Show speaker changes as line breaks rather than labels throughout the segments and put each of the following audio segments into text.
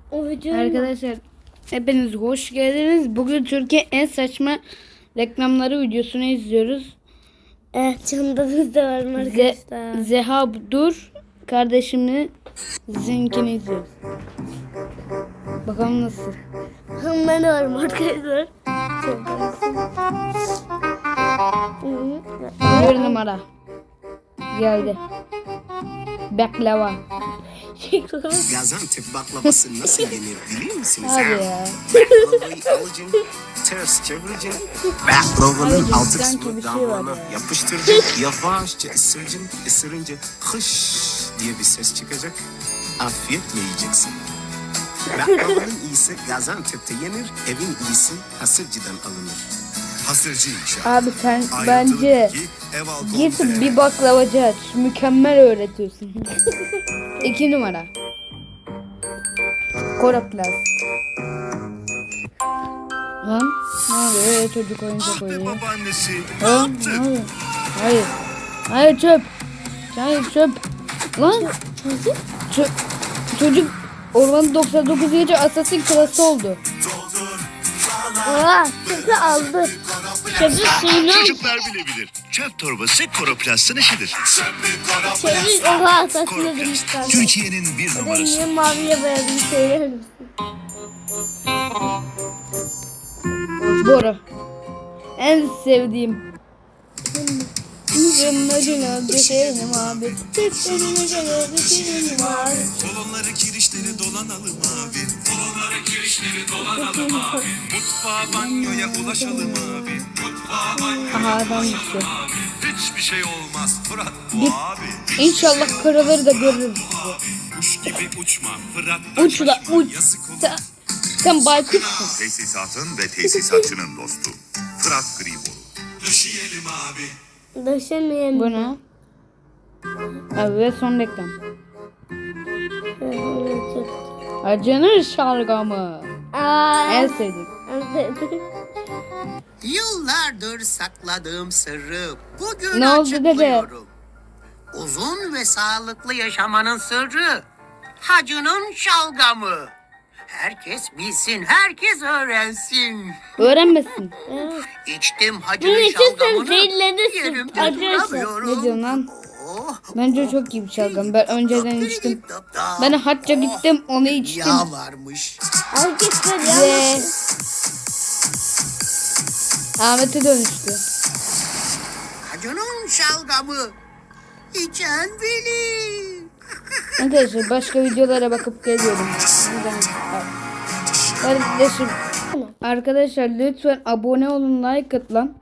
O video
Arkadaşlar hepiniz hoş geldiniz. Bugün Türkiye en saçma reklamları videosunu izliyoruz.
Evet, canımız da var mı arkadaşlar?
Zeha Dur kardeşimle Zinkini izliyoruz. Bakalım nasıl.
Ben varım arkadaşlar.
Bir numara geldi. Baklava.
Gaziantep baklavası nasıl yenir biliyor musunuz?
Hadi ya.
Baklavayı alacaksın, ters çevireceksin. Baklavanın
Hayır,
altı
sanki bir
kısmını
şey var
damağına
ya.
yapıştıracaksın. Yavaşça ısıracaksın. Isırınca hış diye bir ses çıkacak. Afiyetle yiyeceksin. Baklavanın iyisi Gaziantep'te yenir. Evin iyisi Hasırcı'dan alınır.
Hasırcı inşaat.
Abi sen
Ayrıntılı
bence
bilgi, ev halkı
git
oldu.
bir baklavacı aç. Mükemmel öğretiyorsun. 2 numara. Koroplas. Lan ne oluyor? Çocuk oyuncak
Ah be
oynuyor.
babaannesi. Ne
Ha?
yaptın?
Ne oluyor? Hayır. Hayır çöp. Hayır çöp. Lan. Çocuk Orman 99 gece Assassin klası oldu.
Oha, çünkü aldı. Çocuk suyunu
Çocuklar bilebilir. Çöp torbası Koroplast'ın işidir.
çocuk oha saçını demişler.
Türkiye'nin bir
Ben
numarası.
niye maviye boyadım söyler misin?
Bora. En sevdiğim. Canlarına düşerim abi. Çiftlerine göre düşerim abi.
Kolonları kirişleri dolanalım abi. Kolonları kirişleri dolanalım abi. Mutfağa banyoya ulaşalım abi. Mutfağa banyoya
Aha adam gitti.
hiçbir şey olmaz. Fırat bu
Git.
abi.
İnşallah karaları da görürüz.
Kuş gibi uçma. Fırat
Uç la uç. Sen baykuşsun.
Tesisatın ve tesisatçının dostu. Fırat Gribor.
Döşeyelim abi.
Döşemeyen.
Bu ne? Abi ve son reklam. Acınır şalgamı. En sevdiğim.
Yıllardır sakladığım sırrı bugün
Ne oldu dede?
açıklıyorum. Uzun ve sağlıklı yaşamanın sırrı hacının şalgamı. Herkes bilsin, herkes öğrensin.
Öğrenmesin.
İçtim
Bunu
hacının
içersen
şalgamını,
zehirlenirsin.
yerimde
Acırsın.
duramıyorum.
Ne diyorsun lan?
Oh,
Bence çok iyi bir şalgam. Ben önceden içtim. Ben hacca gittim onu içtim.
Yağ varmış.
Herkesler
Ve
ya.
Ahmet'e dönüştü.
Hacının şalgamı. İçen bilir.
Arkadaşlar başka videolara bakıp geliyorum. Kardeşim. Arkadaşlar lütfen abone olun, like at lan.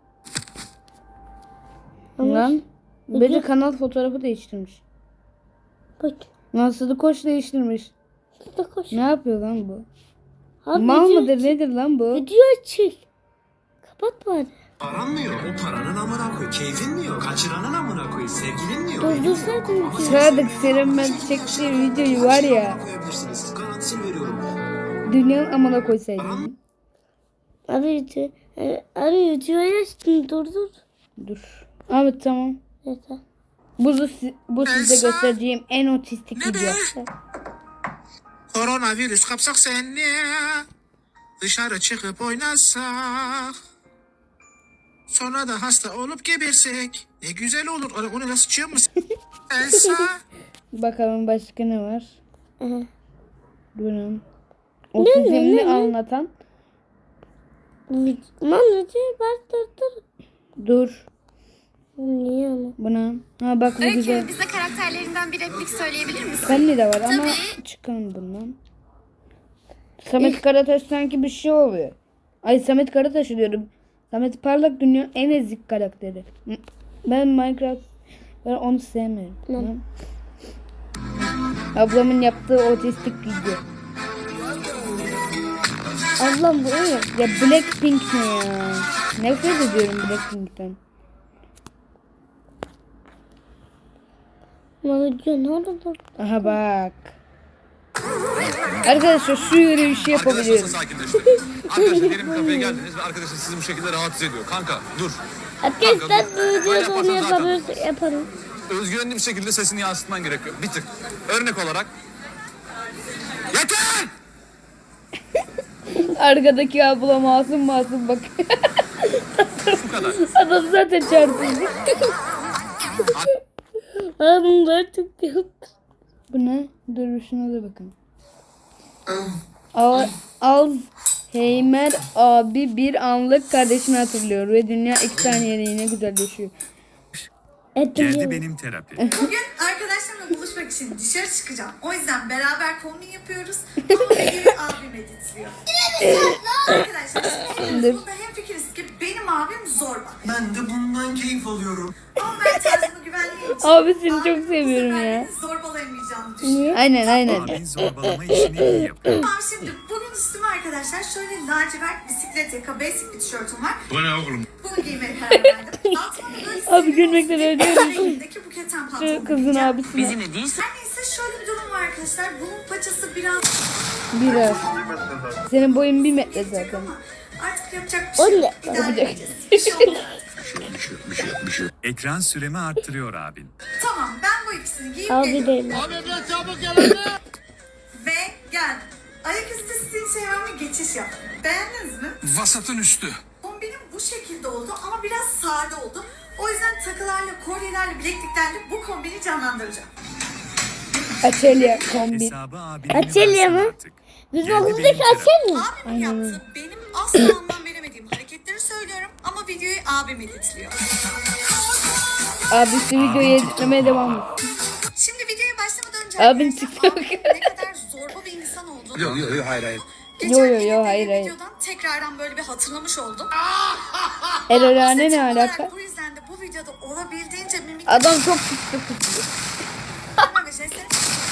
Lan. Bence kanal fotoğrafı değiştirmiş.
Bak.
Nasıl koç değiştirmiş.
Da koş.
Ne yapıyor lan bu?
Abi,
Mal
video
mıdır nedir lan bu?
Video çek. Kapat bari.
Paran mı yok? O paranın amına koy. Keyfin mi yok? Kaçıranın amına koy. Sevgilin mi yok?
Durdursaydın ki.
Sadık senin ben çektiği videoyu var ya.
Koyabilirsiniz. Garantisini veriyorum.
Dünyanın amına koysaydın.
Abi video. Abi videoyu açtın durdur.
Dur. Ahmet tamam.
Yeter.
Bu size göstereceğim en otistik video.
Koronavirüs kapsak seni, dışarı çıkıp oynasak, sonra da hasta olup gebersek ne güzel olur. Onu nasıl sıçıyor musun? Elsa.
Bakalım başka ne var?
Aha.
Durun. Otizmini anlatan.
Lan videoyu dur.
Dur.
Niye ama?
Buna. Ha bak bu güzel.
Öykü, bize karakterlerinden bir replik söyleyebilir misin?
Benli de var ama
Tabii.
çıkalım bundan. Samet Karataş sanki bir şey oluyor. Ay Samet Karataş diyorum. Samet Parlak dünyanın en ezik karakteri. Ben onu sevmiyorum. Tamam. Ablamın yaptığı otistik video.
Ablam bu ne?
Ya Blackpink ne ya? Nefret ediyorum Blackpink'ten.
Ama video nerede dur?
Aha bak. Arkadaşlar şu yürüyüşü yapabiliyorum.
Sakinleşin. Arkadaşlar benim kafeye geldiniz ve arkadaşın sizi bu şekilde rahatsız ediyor. Kanka dur.
Arkadaşlar bu videoda
Böyle
onu
yaparsan zaten-
yapabiliriz. Yaparım.
Özgüvenli bir şekilde sesini yansıtman gerekiyor. Bir tık. Örnek olarak. Yeter!
Arkadaki abla masum bak.
Bu kadar.
Adam zaten çarpıldı.
Adamlar çok yaptı.
Bu ne? Dur şuna da bakın. Alzheimer abi bir anlık kardeşini hatırlıyor ve dünya 2 saniyeliğine güzelleşiyor.
Geldi benim terapi.
Bugün arkadaşlarımla buluşmak için dışarı çıkacağım. O yüzden beraber kombin yapıyoruz. Ama videoyu abim editliyor. Arkadaşlar şimdi burada hemfikiriz ki benim abim zorba.
Ben de bundan keyif alıyorum.
Ama ben tarzımı güvenliğim için
Abi seni çok
abimin bu
seviyorum
sefer
ya.
beni zorbalayamayacağını düşünüyorum.
Aynen.
Abin zorbalama işini iyi yapıyor.
Tamam şimdi bugün üstüme arkadaşlar şöyle lacivert bisiklet yaka basic bir tişörtüm var.
Bu ne oğlum?
Bunu giymeye karar verdim. Altıma da böyle
Abi gülmekten ölüyorum.
rengindeki buketen pantolon
Şu kızın
giyeceğim.
abisine.
Her neyse şöyle bir durum var arkadaşlar. Bunun paçası biraz
Biraz. Senin boyun 1 metre
gelecek
zaten.
ama artık yapacak bir şey
O
yok.
ne?
İdare
Yapacak.
edeceğiz. Bir şey olmaz.
Ekran süremi arttırıyor abin.
Tamam ben bu ikisini giyip
Abi
geliyorum.
değil.
Ve gel. Ayaküstü stil çevremle geçiş yaptım. Beğendiniz mi?
Vasatın üstü.
Kombinim bu şekilde oldu ama biraz sade oldu. O yüzden takılarla, kolyelerle, bilekliklerle bu kombini canlandıracağım.
Açelya kombi.
Hesabı abinin
Açılıyor mu?
artık.
Biz
Geldi
okuldaki
benim terapi.
açar mı?
Abimin yaptığı benim asla anlam veremediğim hareketleri söylüyorum ama videoyu abim editliyor.
Abisi videoyu editlemeye devam et.
Şimdi videoya başlamadan önce
Abin
arkadaşlar,
TikTok.
abimin ne kadar zorba bir insan olduğunu
Yok hayır.
geçen
Yo,
izlediğim
hayır.
videodan tekrardan böyle bir hatırlamış oldum.
Erolane ne
Seçim olarak
alaka?
Bu yüzden de bu videoda olabildiğince mimik
Adam çok TikTok.
ve jestlere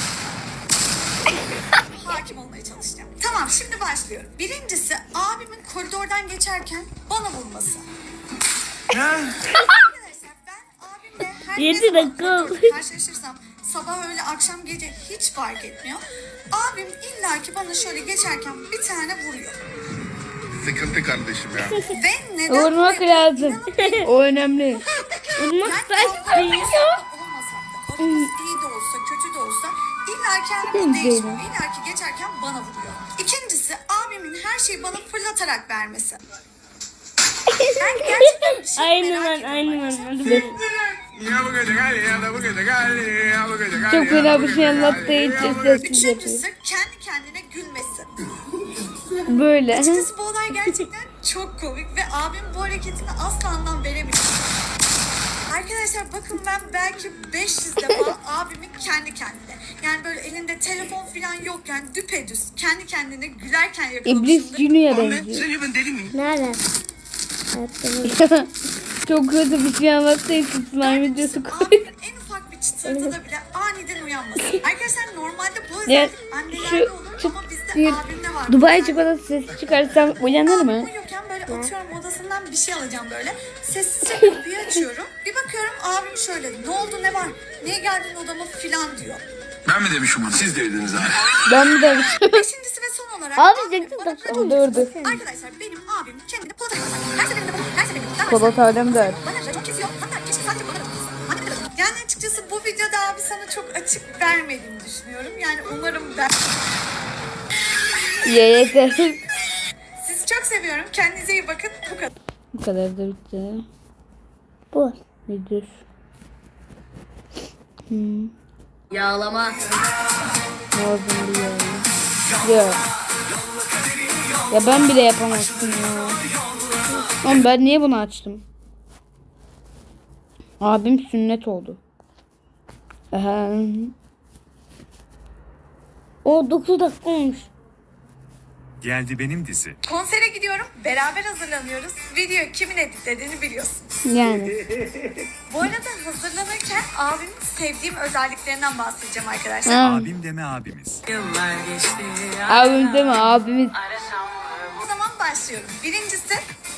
hakim olmaya çalışacağım. Tamam şimdi başlıyorum. Birincisi abimin koridordan geçerken bana vurması. Arkadaşlar ben abimle her ne
7
zaman
dakika oldu.
koridorda karşılaşırsam sabah öğle akşam gece hiç fark etmiyor. Abim illaki bana şöyle geçerken bir tane vuruyor.
Sıkıntı kardeşim ya.
Ve neden
Vurmak
vuruyor?
lazım. O önemli.
Vurmak
Yani
saçma
kavga
ya.
olmasak da, aramız iyi de olsa, kötü de olsa illaki hani bu değişmiyor. İllaki geçerken bana vuruyor. İkincisi abimin her şeyi bana fırlatarak vermesi. Ben gerçekten bir şey
Aynı
merak
ben,
ediyorum
aynı
arkadaşlar.
ben.
Çok fena bir şey anlattığı için sessiz yapıyor.
Üçüncüsü kendi kendine gülmesi.
Böyle.
Açıkçası bu olay gerçekten çok komik ve abim bu hareketine asla anlam veremiyor. Arkadaşlar bakın ben belki 500 defa abimin kendi kendine yani böyle elinde telefon falan yokken düpedüz kendi kendine gülerken
İblis
yakalamışımdır.
Junior'a benziyor.
Sence ben deli miyim?
Nerede? Hayatta
Çok kötü bir şey anlattığı için slime videosu
Abimin
koyuyor.
en ufak bir çıtırtıda bile aniden uyanması. Arkadaşlar normalde bu
Ya,
özellik annelerde olur ama bizde abimde var.
Dubai
Yani
çikolatası sesi çıkarsam uyanır mı?
uyurken böyle atıyorum odasından bir şey alacağım böyle. Sessizce kapıyı açıyorum. Bir bakıyorum abim şöyle ne oldu ne var? Niye geldin odama filan diyor.
Ben mi demişim onu? Siz dediniz abi.
Ben mi demişim?
Beşincisi ve son olarak
Abi
abim
8
bana
dakika
racon
oldu.
kesiyor. Arkadaşlar benim abim kendini Polat Alemdar. Her seferinde bana, her seferinde bana
Polat Alemdar.
Bana racon kesiyor. Hatta keşke sadece bana racon kesse. Anne bir de racon. Yani açıkçası bu videoda abi sana çok açık vermediğimi düşünüyorum. Yani umarım ben...
Yeter.
Sizi çok seviyorum. Kendinize iyi bakın. Bu kadar.
Bu kadar da bitti.
bu.
Nedir?
Yağlama.
Lazım diyor. Yok. Ya ben bile yapamazdım ya. Oğlum ben niye bunu açtım? Abim sünnet oldu. Aha.
O 9 dakika olmuş.
Geldi benim dizi.
Konsere gidiyorum. Beraber hazırlanıyoruz. Video kimin editlediğini biliyorsunuz.
Yani.
Bu arada hazırlanırken abimin sevdiğim özelliklerinden bahsedeceğim arkadaşlar.
Ha.
Abim deme abimiz.
Abim değil mi? Abimiz.
O zaman başlıyorum. Birincisi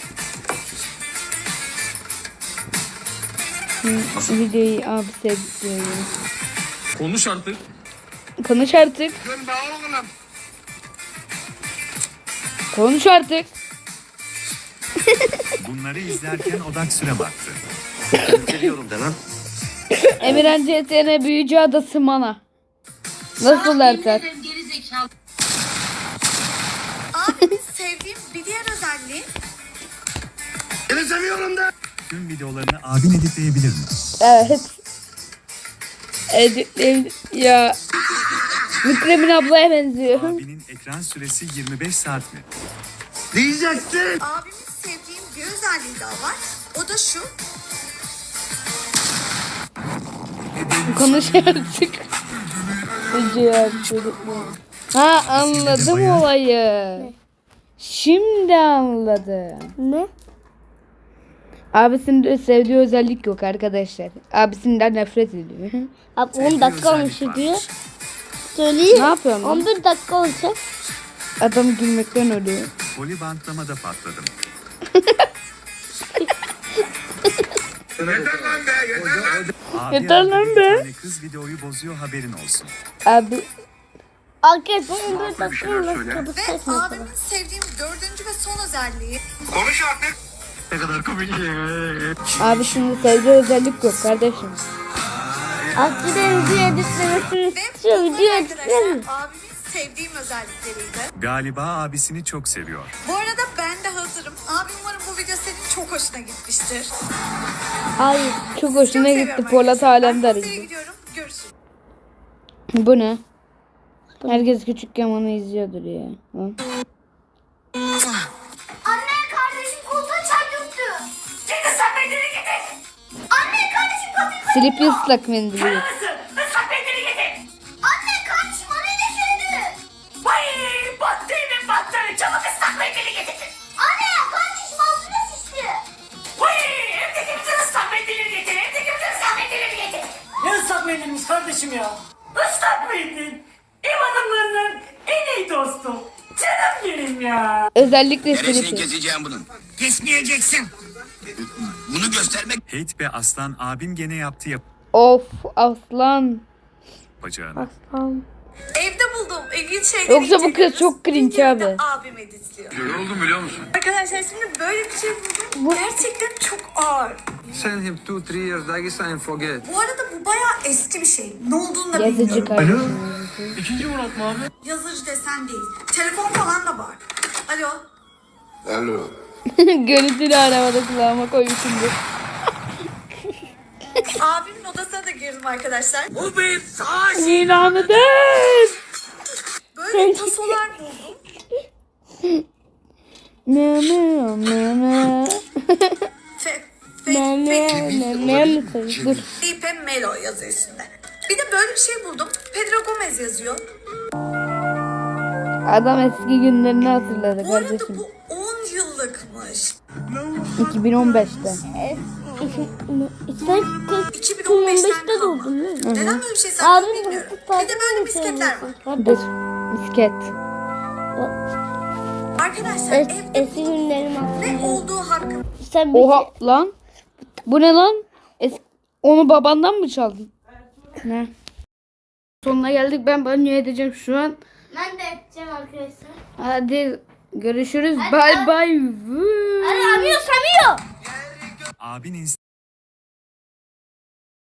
Videoyu abi sevdim.
Konuş artık.
Konuş artık. Konuş artık.
Bunları izlerken odak sürem arttı.
Emirhan CTN Büyücü Adası Mana. Nasıl derler?
abimin sevdiği
Seni seviyorum da.
Tüm videolarını abin editleyebilir mi?
Evet. Ya. Mükremin ablaya benziyor.
Abinin ekran süresi 25 saat mi?
Diyeceksin.
Abimin sevdiğim bir özelliği daha var. O da şu.
Konuş artık. Ha anladım olayı. Şimdi anladım.
Ne?
Abisinin de sevdiği özellik yok arkadaşlar. Abisinden nefret ediyor.
Abi 10 dakika olmuş
özellik
diyor.
varmış.
Söyleyeyim.
Ne yapıyorsun lan?
11 dakika olacak.
Adam gülmekten ölüyor.
Poli bantlamada patladım. Abi
Yeter lan
arada bir
be.
tane kız videoyu bozuyor haberin olsun.
Abi
Arkadaşlar 11 dakika olmuş. Kapı
Ve
saçma.
abimin sevdiğim dördüncü ve son özelliği.
Konuş artık.
Ne kadar komik ya.
abisinin sevdiği özellik yok kardeşim.
Aslında video editlemesini
Ve
istiyor.
bunlar
Video
arkadaşlar
editlemiyor.
abimin sevdiğim özellikleriydi.
Galiba abisini çok seviyor.
Bu arada ben de hazırım. Abi umarım bu video senin çok hoşuna gitmiştir.
Hayır.
Çok hoşuna
Çok
gitti.
seviyorum
Polat
arkadaşlar. Ben
Alemdar
masaya
izliyor.
gidiyorum. Görüşürüz.
Bu ne? Herkes küçükken onu izliyordur ya. Lan.
Anne kardeşim koltuğa çarptı. Git ıslak mendili getir. Anne kardeşim koltuğa
Silip ıslak mendili.
ıslak mendili getir. Anne kardeşim orayı düşürdü. Vay battı evim battı. Çabuk ıslak mendili getir. Anne kardeşim altına şişti. Vay evdeki bütün ıslak mendili getir. Evdeki bütün ıslak mendili getir.
Ne ıslak mendilmiş kardeşim ya?
Islak mendil. Ev adamlarının en iyi dostu. Canım benim ya.
Özellikle silip.
keseceğim bunun? Kesmeyeceksin. Bunu göstermek.
Hate be aslan abim gene yaptı
Of aslan.
yapacağını.
Evde bulduğum ilginç şeyleri
Yoksa bu kız
inceliyoruz.
çok cringe
Videoyu
abi.
da abim editliyor.
Yoruldum biliyor musun?
Arkadaşlar şimdi böyle bir şey buldum. Gerçekten çok ağır.
Send him 2-3 years Dagestan and forget.
Bu arada bu bayağı eski bir şey. Ne olduğunu da
Yazıcı
bilmiyorum.
kardeşim.
İkinci Murat mı abi?
Yazıcı desen değil. Telefon falan da var. Alo.
Alo.
Görüntülü arabada kulağıma koymuşumdur.
Abimin odasına da girdim arkadaşlar.
İlanı de.
Böyle tasolar buldum.
Ne ne ne ne. Ne dur.
Felipe Melo yazıyor üstünde. Bir de böyle bir şey buldum. Pedro Gomez yazıyor.
Adam eski günlerini hatırladı
Bu arada
kardeşim.
bu 10 yıllıkmış.
2015'te.
Sen
2015'ten kalma.
doğdun değil mi?
Neden böyle bir şey saklıyor
Abim
bilmiyorum.
bu
Bir de böyle misketler var.
Dur. Misket.
Arkadaşlar evde
Eski günlerim aklımda.
ne olduğu hakkında
Sen bir
Oha lan. Bu ne lan? Onu babandan mı çaldın? Ne? Sonuna geldik. Ben banyo edeceğim şu an.
Ben de edeceğim arkadaşlar.
Hadi görüşürüz. Bye bye.
Hadi Samio.
Abin